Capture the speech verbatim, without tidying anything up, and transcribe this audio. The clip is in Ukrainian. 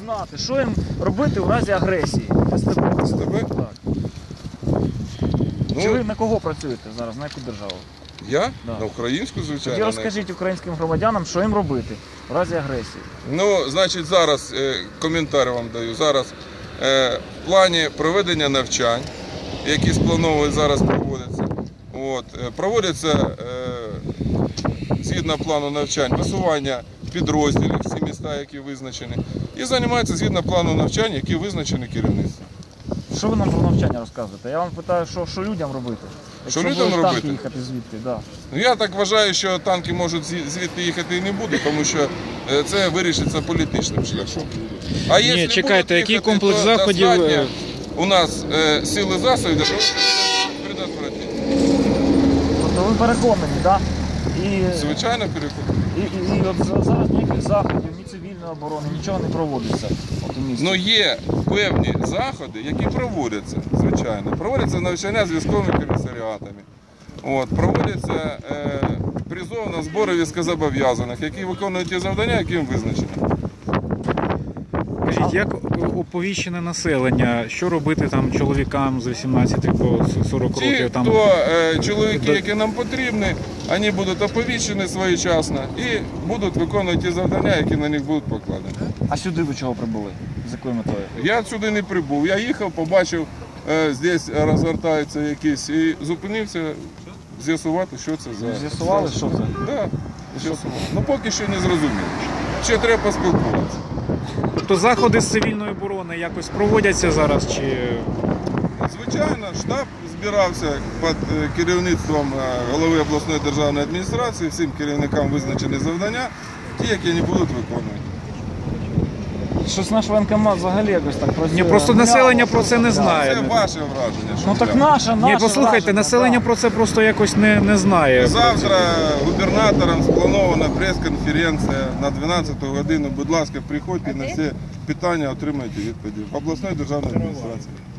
знати, що їм робити у разі агресії. СТБ. СТБ? Так. Ну, Чи ви на кого працюєте зараз, на яку державу? Я? Да. На українську, звичайно. Тоді розкажіть українським громадянам, що їм робити у разі агресії. Ну, значить, зараз е, коментар вам даю. Зараз е, в плані проведення навчань, які сплановують зараз проводяться, от, е, проводяться е, згідно плану навчань висування підрозділів, всі міста, які визначені, і займаються згідно плану навчань, які визначені керівництвом. Що ви нам про навчання розказуєте? Я вам питаю, що, що людям робити? Що Якщо людям будуть робити? танки їхати звідти, да. Ну, я так вважаю, що танки можуть зві- звідти їхати і не будуть, тому що е, це вирішиться політичним шляхом. А Ні, якщо чекайте, будуть який їхати, комплекс то заходів, достатньо е, у нас е, сили засобів для того, щоб предотвратити. Тобто ви переконані, так? І, Звичайно, перекупити. і, і, і от за- зараз ніяких заходів, ні цивільної оборони, нічого не проводиться от у місті. Ну є певні заходи, які проводяться, звичайно. Проводяться навчання з військовими комісаріатами. От, проводяться е, призов на збори військовозобов'язаних, які виконують ті завдання, які їм визначені. Скажіть, як оповіщене населення, що робити там чоловікам з вісімнадцяти по сорок Ті, років? Там... хто е, чоловіки, які нам потрібні, вони будуть оповіщені своєчасно і будуть виконувати ті завдання, які на них будуть покладені. А сюди ви чого прибули? З якою метою? Я сюди не прибув. Я їхав, побачив, е, здесь розгортаються якісь, і зупинився з'ясувати, що це за... З'ясували, що це? Так, з'ясував. Ну поки що не зрозуміло. Ще треба поспілкуватися. Тобто заходи з цивільної оборони якось проводяться зараз? Чи... Звичайно, штаб збирався під е, керівництвом е, голови обласної державної адміністрації, всім керівникам визначені завдання, ті, які не будуть виконувати. Щось наш воєнкомат взагалі якось так працює. Ні, просто Мляво, населення про це не мляво. знає. Це ваше враження. що Ну так для- наше, наше Ні, послухайте, враження, населення да. про це просто якось не, не знає. Завтра губернатором спланована прес-конференція на дванадцяту годину. Будь ласка, приходьте на всі питання, отримайте відповіді в обласної державної адміністрації.